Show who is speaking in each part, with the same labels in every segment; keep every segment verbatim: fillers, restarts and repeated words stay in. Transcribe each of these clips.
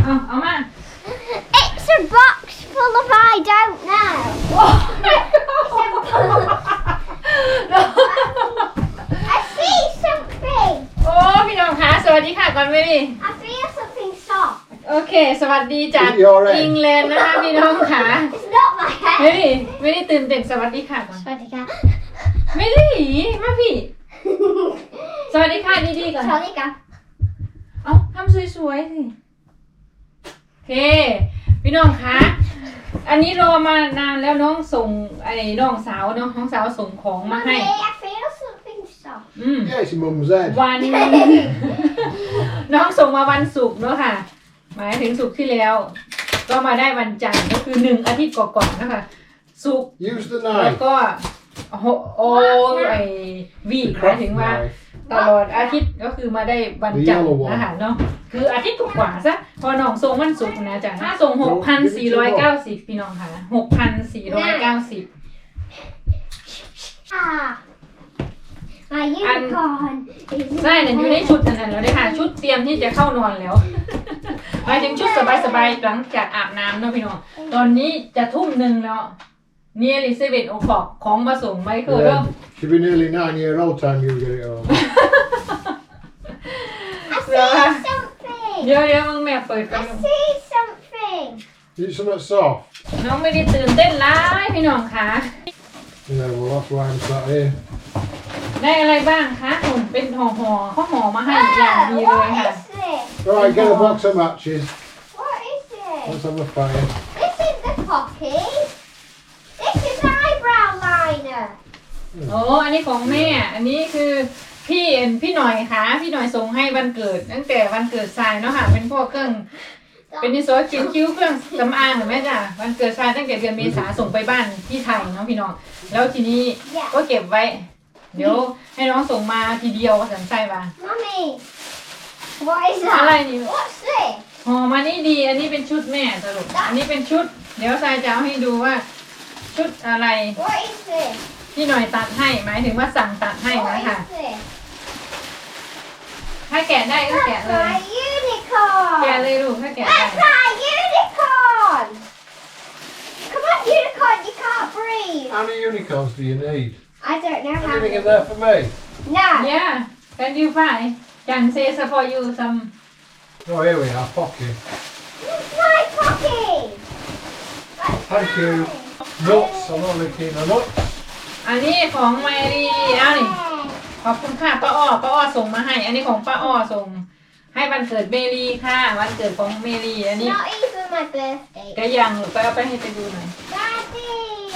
Speaker 1: เอาเอามา
Speaker 2: It's a box full of I don't know. I see something.
Speaker 1: โอ้พี่น้องคะสวัสดีค่ะก่อนไม่ดี
Speaker 2: I feel something soft.
Speaker 1: โอเคสวัสดีจากอังกฤษนะคะพี่น้องค่ะ
Speaker 2: It's not my
Speaker 1: ไม่
Speaker 2: head.
Speaker 1: ดีไม่ได้ตื่นเต้นสวัสดีค่ะก่อน
Speaker 2: Sorry, cat.
Speaker 1: ไม่ดีมาพี่สวัสดีค่ะดีๆก่อน
Speaker 2: Sorry, cat.
Speaker 1: เอาทำสวยๆสิโอเคพี่น้องคะอันนี้รอมานานแล้วน้องส่งไอ้น้องสาวเนาะน้องสาวส่งของมาให้
Speaker 2: Mummy, I feel something soft.
Speaker 1: อืม
Speaker 3: Yeah, it's your mum's head.
Speaker 1: วัน น้องส่งมาวันศุกร์เนาะค่ะ หมายถึงศุกร์ที่แล้ว ก็มาได้วันจันทร์ก็คือหนึ่งอาทิตย์ก่อนๆนะคะศุกร์
Speaker 3: Use the
Speaker 1: แล้ว
Speaker 3: knife.
Speaker 1: ก็โอโอไอวี
Speaker 3: The
Speaker 1: หมายถึง
Speaker 3: craft
Speaker 1: ว่า
Speaker 3: knife.
Speaker 1: ตลอดอาทิตย์ก็คือมาได้วันจันทร์นะคะเนาะคืออาทิตย์กว่าๆซะพอน้องส่งวันศุกร์นะจ๊ะถ้าส่งหกพันสี่ร้อยเก้าสิบพี่น้องค่ะหกพันสี่ร้อยเก้าสิบ
Speaker 2: Ah. My unicorn is
Speaker 1: ใช่เนี่ยอยู่ในชุดนั้นแล้วเลยค่ะ ชุดเตรียมที่จะเข้านอนแล้ว หมายถึงชุดสบายๆหลังจากอาบน้ำเนาะพี่น้องตอนนี้จะทุ่มหนึ่งแล้วเนี่ยลิเซเว่นโอคอกของมาส่งไมเคิลเริ่ม
Speaker 3: Yeah, she'll be nearly nine year old time you get it home.
Speaker 2: I see something.
Speaker 1: เดี๋ยวเดี๋ยวมึงแม่เปิดกัน
Speaker 2: I see something.
Speaker 3: Is it something soft?
Speaker 1: น้องไม่ได้ตื่นเต้นร้ายพี่น้องคะ
Speaker 3: Yeah, well that's why I'm sat here.
Speaker 1: ได้อะไรบ้างคะผมเป็นห่อห่อเขาห่อมาให้อย่างดี
Speaker 2: Oh,
Speaker 1: เลย
Speaker 2: what
Speaker 1: ค่ะ
Speaker 2: is this?
Speaker 3: Right, get a box of matches.
Speaker 2: What is this?
Speaker 3: Let's have a fire.
Speaker 2: This is the pocky. This is eyebrow liner.
Speaker 1: โอ้อันนี้ของแม่ อันนี้คือพี่เอ็นพี่หน่อยค่ะพี่หน่อยส่งให้วันเกิดตั้งแต่วันเกิดทรายเนาะค่ะเป็นพวกเครื่องเป็นนิสโซเขียนคิ้วเครื่องสำอางเห็นไหมจ้ะวันเกิดทรายตั้งแต่เดือนเมษาส่งไปบ้านที่ไทยเนาะพี่น้องแล้วทีนี้ก็เก็บไว้ เดี๋ยวให้น้องส่งมาทีเดียวก็สันไส้มา
Speaker 2: Mummy, what is
Speaker 1: อะไร
Speaker 2: that?
Speaker 1: นี่
Speaker 2: What's this?
Speaker 1: ห่อมานี่ดี อันนี้เป็นชุดแม่สรุปอันนี้เป็นชุด เดี๋ยวทรายจะเอาให้ดูว่า ชุดอะไร
Speaker 2: What is this?
Speaker 1: พี่หน่อยตัดให้หมายถึงว่าสั่งตัดให้
Speaker 2: What
Speaker 1: นะคะ
Speaker 2: is this?
Speaker 1: ถ้าแกะได้ก็แกะ
Speaker 2: That's
Speaker 1: เลย
Speaker 2: my unicorn.
Speaker 1: แกะเลยลูกถ้าแกะได้
Speaker 2: That's my unicorn. Come on, unicorn, you can't breathe.
Speaker 3: How many unicorns do you need?
Speaker 2: I don't know how
Speaker 3: Anything in
Speaker 2: many.
Speaker 3: there for me?
Speaker 2: No.
Speaker 1: Yeah can you find can say for you some
Speaker 3: Oh, here we are, pocket.
Speaker 2: It's my pocky. That's
Speaker 3: Thank you.
Speaker 2: mine.
Speaker 3: Nuts, I'm not licking the nuts.
Speaker 1: อันนี้ของแมรี่เอานี่ ขอบคุณค่ะป้าอ้อป้าอ้อส่งมาให้ อันนี้ของป้าอ้อส่ง ให้วันเกิดเมรีค่ะ วันเกิดของเมรีอัน
Speaker 2: It's
Speaker 1: นี้
Speaker 2: not even my birthday.
Speaker 1: ก็ยังหรือไปเอาไปให้ไปดูหน่อย
Speaker 2: Daddy.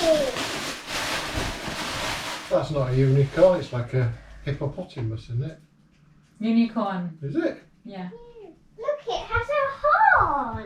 Speaker 3: That's not a unicorn, it's like a hippopotamus, isn't it?
Speaker 1: ยูนิคอร์น
Speaker 3: Is it?
Speaker 1: yeah
Speaker 2: Look, it has a horn.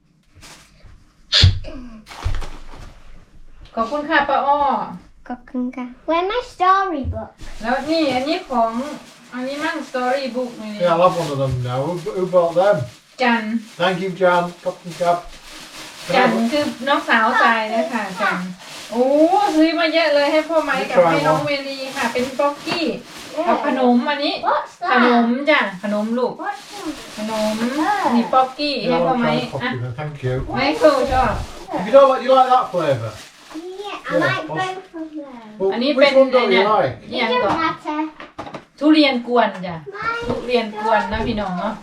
Speaker 1: ขอบคุณค่ะป้าอ้อ
Speaker 2: Kokunga. Where's my storybook?
Speaker 1: แล้วนี่อันนี้ของ อันนี้มั่งสตอรี่บุ๊กนี่
Speaker 3: Yeah, I'll have one of them now. Who, who bought them?
Speaker 1: จัน
Speaker 3: Thank you, Jan. Cotton Cab.
Speaker 1: จันคือน้องสาวทรายนะคะจันโอ้ซื้อมาเยอะเลยให้พ่อไม้กับให้น้องเมรีค่ะ เป็นป๊อกกี้กับขนมอันนี้
Speaker 2: What's
Speaker 1: ขนม
Speaker 2: that?
Speaker 1: จ้ะขนมลูก
Speaker 2: What's that?
Speaker 1: ขนมนี่ป๊อกกี้ให้
Speaker 3: Yeah,
Speaker 1: พ่อ
Speaker 3: I'll
Speaker 1: ไม้
Speaker 3: try the
Speaker 1: อ่ะ
Speaker 3: pocket then. Thank you.
Speaker 1: ไมเคิลชอบ
Speaker 3: You don't like, you like that flavour?
Speaker 2: Yeah, I
Speaker 3: Yeah,
Speaker 2: like
Speaker 3: what's-
Speaker 2: both of them.
Speaker 3: Well,
Speaker 1: I need
Speaker 3: which
Speaker 1: pen-
Speaker 3: one don't you
Speaker 1: yeah.
Speaker 3: like?
Speaker 2: It
Speaker 1: เนี่ย
Speaker 2: don't
Speaker 1: ก่อน
Speaker 2: matter.
Speaker 1: ทุเรียนกวนจ้ะ
Speaker 2: My
Speaker 1: ทุเรียนกวนนะพี่น้องเนาะ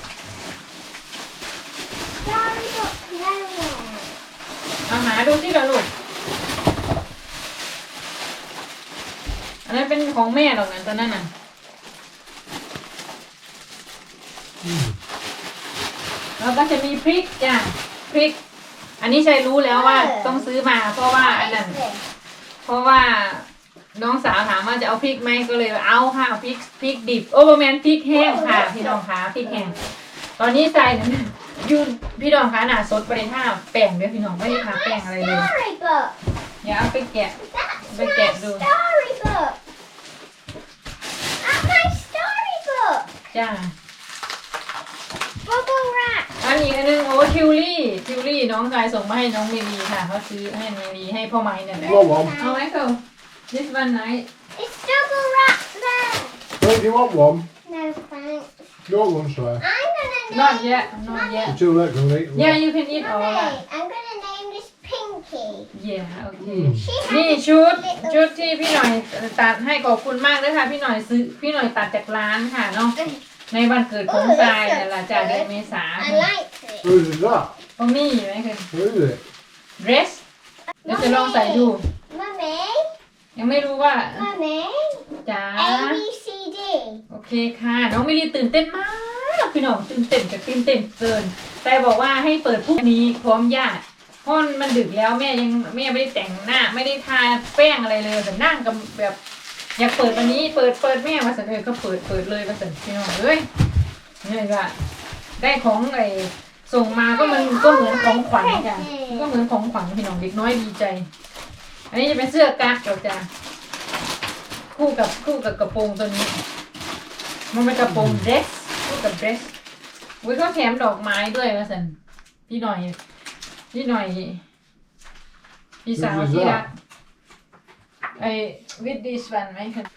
Speaker 2: storybook nowhere.
Speaker 1: เอาหาดูที่ละลูกอันนั้นเป็นของแม่หรอกนะตอนนั้นน่ะ แล้วก็จะมีพริกจ้ะพริก อันนี้ชัยรู้แล้วว่าต้องซื้อมา เพราะว่าอัน
Speaker 2: What
Speaker 1: นั้น
Speaker 2: is this?
Speaker 1: เพราะว่าน้องสาวถามว่าจะเอาพริกไหมก็เลยเอาค่ะพริกพริกดิบโอ้ประมาณพริกแห้งค่ะพี่น้องคะพริกแห้งตอนนี้ใส่นั้นยูพี่น้องคะหนาสดบริท่าแป้งด้วยพี่น้องไม่ได้ทาแป้งอะไรเลย
Speaker 2: Storybook.
Speaker 1: อย่าเอาไปแกะ
Speaker 2: That's
Speaker 1: Look
Speaker 2: my
Speaker 1: at those.
Speaker 2: storybook. That's my storybook.
Speaker 1: จ้า
Speaker 2: Bubble wrap.
Speaker 1: อันนี้อันนึงโอ้ทิวลี่ทิวลี่น้องชายส่งมาให้น้องเมรีค่ะเขาซื้อให้เมรีให้พ่อไม้เนี่ยแหละ
Speaker 3: You want one?
Speaker 1: เอาไหมเคิล this one night
Speaker 2: It's double wrapped there.
Speaker 3: Don't you want one?
Speaker 2: No thanks.
Speaker 3: You want one, sir?
Speaker 2: I'm gonna
Speaker 1: not
Speaker 2: name.
Speaker 1: yet not yet
Speaker 3: You're too late to eat them.
Speaker 1: yeah you can eat all
Speaker 2: Mummy,
Speaker 1: that
Speaker 2: I'm gonna name this Pinky.
Speaker 1: yeah okay
Speaker 3: Mm.
Speaker 2: She
Speaker 1: นี่
Speaker 2: has
Speaker 1: ชุด
Speaker 2: little-
Speaker 1: ชุดที่พี่หน่อยตัดให้ขอบคุณมากเลยค่ะพี่หน่อยซื้อพี่หน่อยตัดจากร้านค่ะเนาะในวันเกิดของทรายเนี่ยแหละจากเดือนเมษา
Speaker 2: I like it.
Speaker 3: Whose is that?
Speaker 1: ตรงนี้ไหมคือ
Speaker 3: Who's it?
Speaker 1: dress เดี๋ยวจะลองใส่ดู
Speaker 2: Mummy,
Speaker 1: ยังไม่รู้ว่า
Speaker 2: Mummy,
Speaker 1: จ๋า
Speaker 2: A B C D.
Speaker 1: โอเคค่ะ น้องมิลลีตื่นเต้นมาก พี่น้องตื่นเต้นกับตื่นเต้นเกิน แต่บอกว่าให้เปิดพรุ่งนี้พร้อมญาติเพราะมันดึกแล้วแม่ยังแม่ไม่ได้แต่งหน้า ไม่ได้ทาแป้งอะไรเลยแต่นั่งกับแบบอยากเปิดวันนี้เปิดเปิดแม่มาสันเออก็เปิดเปิดเลยมาสันพี่น้องเอ้ยนี่ก็ได้ของไอ้ส่งมาก็มันก็เหมือนของขวัญจ้ะมันก็เหมือนของขวัญพี่น้องเด็กน้อยดีใจ อันนี้จะเป็นเสื้อกั๊กเราจ้ะคู่กับคู่กับกระโปรงตัวนี้ มันเป็นกระโปรงเดรสคู่กับเดรสอุ้ยเขาแถมดอกไม้ด้วยมาสันพี่หน่อยพี่หน่อยพี่สาวที่รักไอ้วิดดิสวันไหมคะ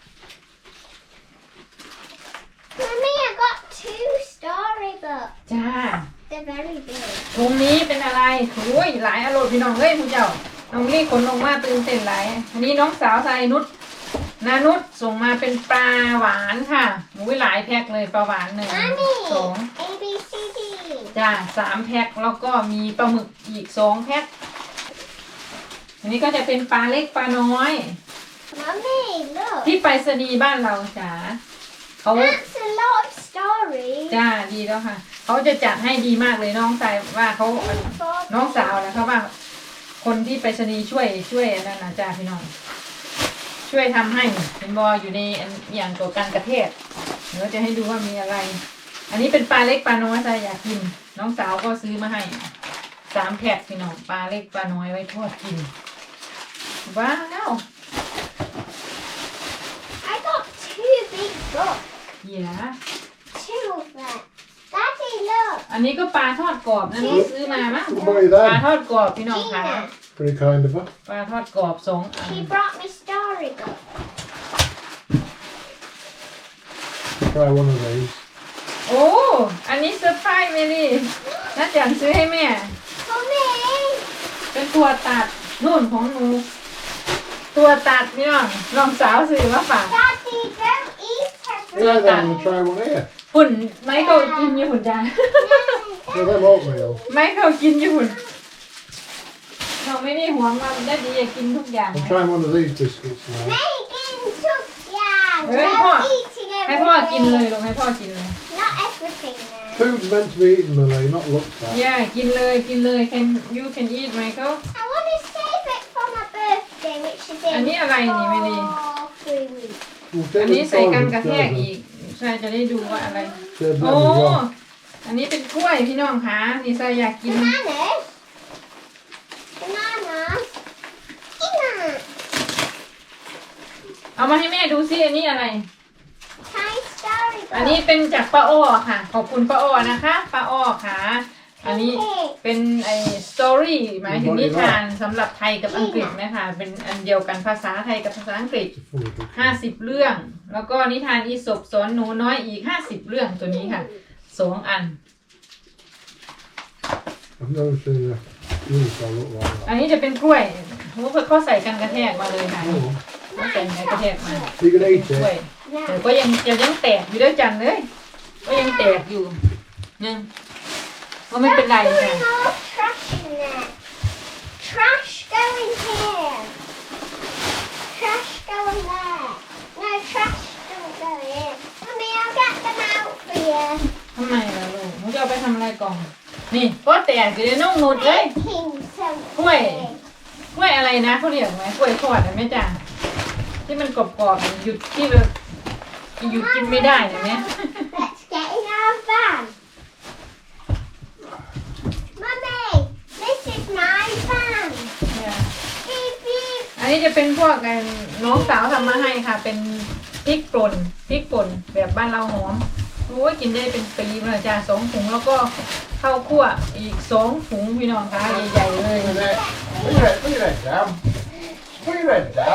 Speaker 2: Mummy, I got two storybooks.
Speaker 1: จ้า
Speaker 2: They're very big.
Speaker 1: ถุงนี้เป็นอะไรโอ้ยหลายอารมณ์พี่น้องเอ้ยคุณเจ้าน้องรีบขนลงมาตื่นเต้นหลายอันนี้น้องสาวทรายนุชนานุชส่งมาเป็นปลาหวานค่ะอุ้ยหลายแพ็คเลยปลาหวานหนึ่ง
Speaker 2: Mommy,
Speaker 1: สอง
Speaker 2: A B C D.
Speaker 1: จ้าสามแพ็คแล้วก็มีปลาหมึกอีกสองแพ็คอันนี้ก็จะเป็นปลาเล็กปลาน้อย
Speaker 2: Mummy, look.
Speaker 1: ที่ไปรษณีย์บ้านเราจ้าเขา
Speaker 2: That's a lot of stories.
Speaker 1: จ้าดีแล้วค่ะเขาจะจัดให้ดีมากเลยน้องชายว่าเขาน้องสาวนะเขาว่า คนที่ไปรษณีย์ช่วยช่วยอันนั้นนะจ้าพี่น้องช่วยทำให้เป็นบออยู่ในอันอย่างตัวกันกระเทศเดี๋ยวจะให้ดูว่ามีอะไร อันนี้เป็นปลาเล็กปลาน้อยจ้าอยากกิน น้องสาวก็ซื้อมาให้สามแพ็คพี่น้องปลาเล็กปลาน้อยไว้ทอดกินว้าว
Speaker 2: I got two big books.
Speaker 1: เหี้ย
Speaker 2: Two of them. Daddy, look.
Speaker 1: อันนี้ก็ปลาทอดกรอบนะน้องซื้อมามั้ง
Speaker 3: What about you
Speaker 1: ปลา
Speaker 3: then?
Speaker 1: ทอดกรอบพี่น้องค่ะ
Speaker 2: Gina,
Speaker 3: Pretty kind of her.
Speaker 1: ปลาทอดกรอบสองอัน
Speaker 2: she brought me storybook.
Speaker 3: Try one of these.
Speaker 1: โอ้ อันนี้เซอร์ไพรส์เมลี่น่าจันซื้อให้แม่
Speaker 2: For me.
Speaker 1: เป็นตัวตัดนู่นของหนู ตัวตัดพี่น้องน้องสาวซื้อมาฝาก
Speaker 2: Daddy, don't eat
Speaker 3: Yeah,
Speaker 2: everything.
Speaker 3: then we'll try one here.
Speaker 1: หุ่นไมเคิลกินอยู่หุ่นจ้า
Speaker 3: Yeah, them oatmeal.
Speaker 1: ไมเคิลกินอยู่หุ่นเราไม่ได้หวงมันได้ดีอยากกินทุกอย่าง
Speaker 3: I'm trying one of these biscuits now.
Speaker 2: Megan took yeah.
Speaker 1: Hey,
Speaker 2: Don't
Speaker 1: Pop.
Speaker 2: eating
Speaker 1: ให้พ่อกินเลย
Speaker 2: everything.
Speaker 1: ลงให้พ่อกินเลย
Speaker 2: Not everything now.
Speaker 3: Food's meant to be eaten, Millie, not looked at.
Speaker 1: ย่ากินเลยกินเลย can you can eat Michael
Speaker 2: I want to save it for my birthday, which is in
Speaker 1: อันนี้อะไรนี่ไม่ดี
Speaker 2: four, three weeks.
Speaker 3: We'll
Speaker 1: อัน
Speaker 3: take
Speaker 1: นี้
Speaker 3: it
Speaker 1: ใส่กัน
Speaker 3: forward,
Speaker 1: กระแทก
Speaker 3: Sarah.
Speaker 1: อีกใช่จะได้ดูว่าอะไร
Speaker 3: Save them
Speaker 1: โอ้
Speaker 3: as well.
Speaker 1: อันนี้เป็นกล้วยพี่น้องคะนี่ใส่อยากกิน
Speaker 2: Bananas. Bananas. Banana.
Speaker 1: เอามาให้แม่ดูซิอันนี้อะไร
Speaker 2: Thai storybook.
Speaker 1: อันนี้เป็นจากป้าอ้อค่ะ ขอบคุณป้าอ้อนะคะป้าอ้อค่ะ อันนี้เป็นไอ้สตอรี่หมายถึงนิทานสำหรับไทยกับอังกฤษนะคะเป็นอันเดียวกันภาษาไทยกับภาษาอังกฤษ
Speaker 3: It's a funny book.
Speaker 1: ห้าสิบเรื่อง แล้วก็นิทานอีสปสอนหนูน้อยอีกห้าสิบเรื่องตัวนี้ค่ะสองอัน
Speaker 3: I've never seen a juice that look like
Speaker 1: อัน
Speaker 3: that.
Speaker 1: นี้จะเป็นกล้วยเขาใส่กันกระแทกมาเลยค่ะ
Speaker 3: Oh,
Speaker 1: เขาใส่กันกระแทกมา
Speaker 3: you can
Speaker 1: เป็น
Speaker 3: eat
Speaker 1: กล้วย
Speaker 3: it.
Speaker 1: แต่
Speaker 2: No.
Speaker 1: ก็ยังจะยังแตกอยู่ด้วยจันเลย ก็ยังแตกอยู่ยังก็ไม่เป็นไร
Speaker 2: That's
Speaker 1: ค่ะ
Speaker 2: putting all trash in there. Trash going here. Trash going there. No, trash don't go in. Mummy, I'll get them out for you.
Speaker 1: ทำไมล่ะลูกหนูจะเอาไปทำอะไรกล่อง นี่ก็แตกอยู่ในน่องนุดเลย
Speaker 2: Making something.
Speaker 1: กล้วย กล้วยอะไรนะเขาเรียกไหมกล้วยทอดนะแม่จ๋าที่มันกรอบๆหยุดที่แบบหยุดกินไม่ได้นะเนี่ย
Speaker 2: Let's get in our van. Mummy, this is my van. Beep, beep.
Speaker 1: อันนี้จะเป็นพวกกันน้องสาวทำมาให้ค่ะ เป็นพริกป่นพริกป่นแบบบ้านเราหอมโอ้ยกินได้เป็นปีเลยจ้าสองถุงแล้วก็ข้าวคั่วอีกสองถุงพี่น้องคะใหญ่ๆเลย
Speaker 3: Look at that. Look at that, look at that dam. Look at that dam.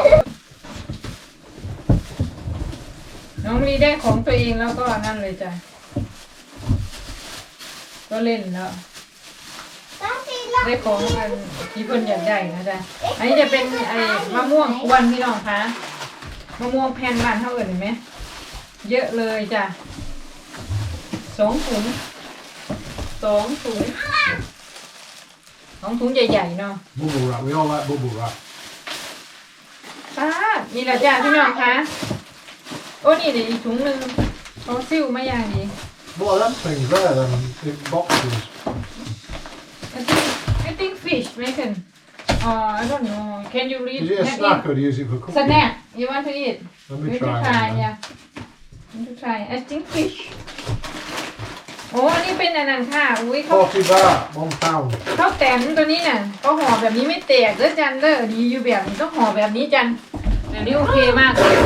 Speaker 1: น้องลีได้ของตัวเองแล้วก็นั่นเลยจ้ะก็เล่นแล้ว
Speaker 2: Daddy,
Speaker 1: ได้
Speaker 2: look.
Speaker 1: ของอันที่เพิ่นอยากได้นะจ๊ะอันนี้จะเป็นไอ้มะม่วงกวนพี่น้องคะมะม่วงแผ่นบ้านเท่าเอิญเห็นไหมเยอะเลยจ้ะสองถุงสองถุงสองถุงใหญ่ๆเนาะ
Speaker 3: Bubble wrap. We all like bubble wrap.
Speaker 1: ป้าดนี่แหละจ้ะพี่น้องคะโอ้นี่เดี๋ยวอีกถุงหนึ่งเขาซิ่วมาอย่างดี
Speaker 3: What are them things there then? In boxes.
Speaker 1: I think I think fish Megan uh I don't know can you read
Speaker 3: Is it a
Speaker 1: Snack
Speaker 3: snack
Speaker 1: it?
Speaker 3: or do you use it for cooking?
Speaker 1: Snack you want to eat
Speaker 3: Let
Speaker 1: you
Speaker 3: me
Speaker 1: want to
Speaker 3: try.
Speaker 1: try
Speaker 3: it then.
Speaker 1: yeah you want to try I think fish โอ้อันนี้เป็นอันนั้นค่ะอุ้ยเขา
Speaker 3: Forty baht, one pound.
Speaker 1: ข้าวแตนตัวนี้น่ะก็ห่อแบบนี้ไม่แตกเด้อจันเด้อดีอยู่แบบนี้ต้องห่อแบบนี้จันแบบนี้โอเคมากเลย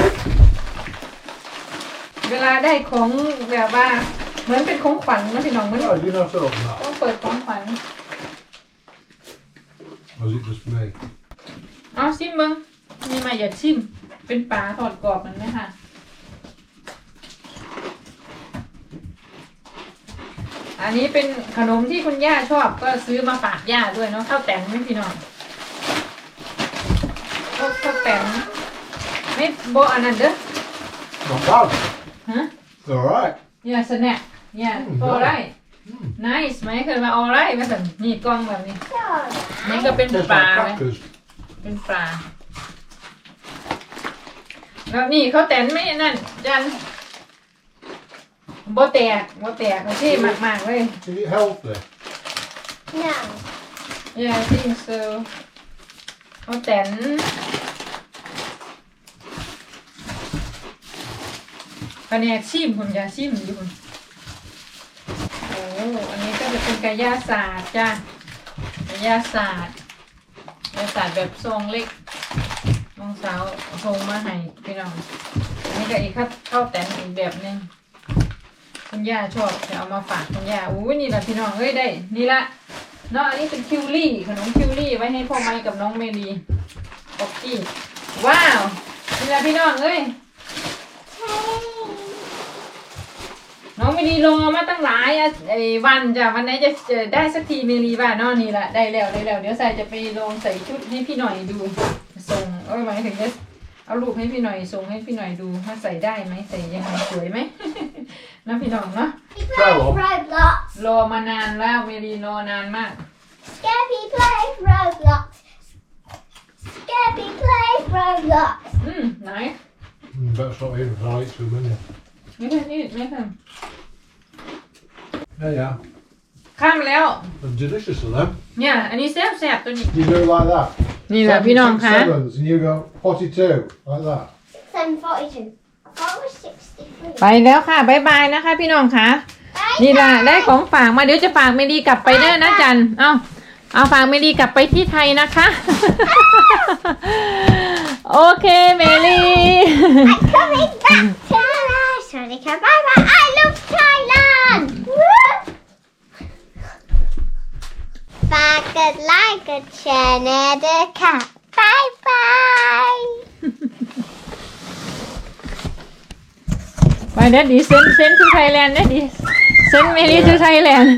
Speaker 1: เวลาได้ของแบบว่าเหมือนเป็นของขวัญนะพี่น้องเหมือน
Speaker 3: Oh, you know to open that?
Speaker 1: ต้องเปิดของขวัญ
Speaker 3: Or is it just me?
Speaker 1: เอาชิมมึงมีมาอย่าชิมเป็นปลาทอดกรอบมันไหมคะอันนี้เป็นขนมที่คุณย่าชอบก็ซื้อมาฝากย่าด้วยเนาะข้าวแตนไม่พี่น้องข้าวข้าวแตนไม่โบอันนั้นเด้อ
Speaker 3: Not bad.
Speaker 1: ฮะ
Speaker 3: It's alright.
Speaker 1: อย่าสแน็คอย่า
Speaker 3: อืม
Speaker 1: ออไร
Speaker 3: Mm.
Speaker 1: nice ไหมเคยมาออไรมาสั่นนี่กล้องแบบนี้ นี่
Speaker 2: Alright.
Speaker 1: ก็เป็น
Speaker 3: Tastes
Speaker 1: ปลา
Speaker 3: like
Speaker 1: ไหม
Speaker 3: crackers.
Speaker 1: เป็นปลาแล้วนี่เขาแต่นไม่นั่นจันโบแตกโบแตกโอเคมากๆเลย
Speaker 3: Is it healthy?
Speaker 2: No.
Speaker 1: yeah I think so เขาแต่นคะแนนชิมคุณยาชิมอยู่คุณโอ้อันนี้ก็จะเป็นกายาศาสตร์จ้ะกายาศาสตร์กายาศาสตร์แบบทรงเล็กน้องสาวทรงมาให้พี่น้องอันนี้ก็อีกข้าวข้าวแต่นอีกแบบหนึงคุณย่าชอบจะเอามาฝากคุณย่าอู้ยนี่แหละพี่น้องเอ้ยได้นี่ละเนาะอันนี้เป็นคิวรี่ขนมคิวรี่ไว้ให้พ่อไม้กับน้องเมลีป๊อกกี้ว้าวนี่ละพี่น้องเอ้ย น้องไม่ดีรอมาตั้งหลายอ่ะไอ้วันจ้ะวันไหนจะจะได้สักทีเมลีบ้านนอนนี่แหละได้แล้วได้แล้วเดี๋ยวใส่จะไปลองใส่ชุดให้พี่หน่อยดูส่งเอ้ยหมายถึงจะเอารูปให้พี่หน่อยส่งให้พี่หน่อยดูว่าใส่ได้ไหมใส่ยังไงสวยไหม นะพี่น้องเนาะ
Speaker 2: He plays Roblox.
Speaker 1: รอมานานแล้วเมลีรอนานมาก
Speaker 2: Scappy plays Roblox. Scappy plays Roblox.
Speaker 1: อืมไหน
Speaker 3: Mm, better stop eating for like two minutes.
Speaker 1: ไม่ใช่นี่ไม่ใช่
Speaker 3: There you are.
Speaker 1: ข้ามแล้ว
Speaker 3: They're delicious of them.
Speaker 1: เนี่ยอันนี้แซ่บแซ่บตัวนี้
Speaker 3: You do it like that.
Speaker 1: นี่แหละพี่น้องคะ
Speaker 3: Sevens, and you go forty-two, like that.
Speaker 2: Then forty-two. What was sixty-three?
Speaker 1: ไปแล้วค่ะบ๊ายบายนะคะพี่น้องคะ
Speaker 2: Bye
Speaker 1: นี่ล่ะ
Speaker 2: bye.
Speaker 1: ได้ของฝากมาเดี๋ยวจะฝากเมลีกลับไปเด้อนะจัน เอาเอาฝากเมลีกลับไปที่ไทยนะคะ โอเคเมลี
Speaker 2: I'm coming back to Monica. Bye bye. I love Thailand. Woo! ฝากกดไลค์กดแชร์แน่เด้อค่ะบายบาย
Speaker 1: ไปเด้อดีเซนเซนทูไทยแลนด์เด้อดีเซนเมลีทูไทยแลนด์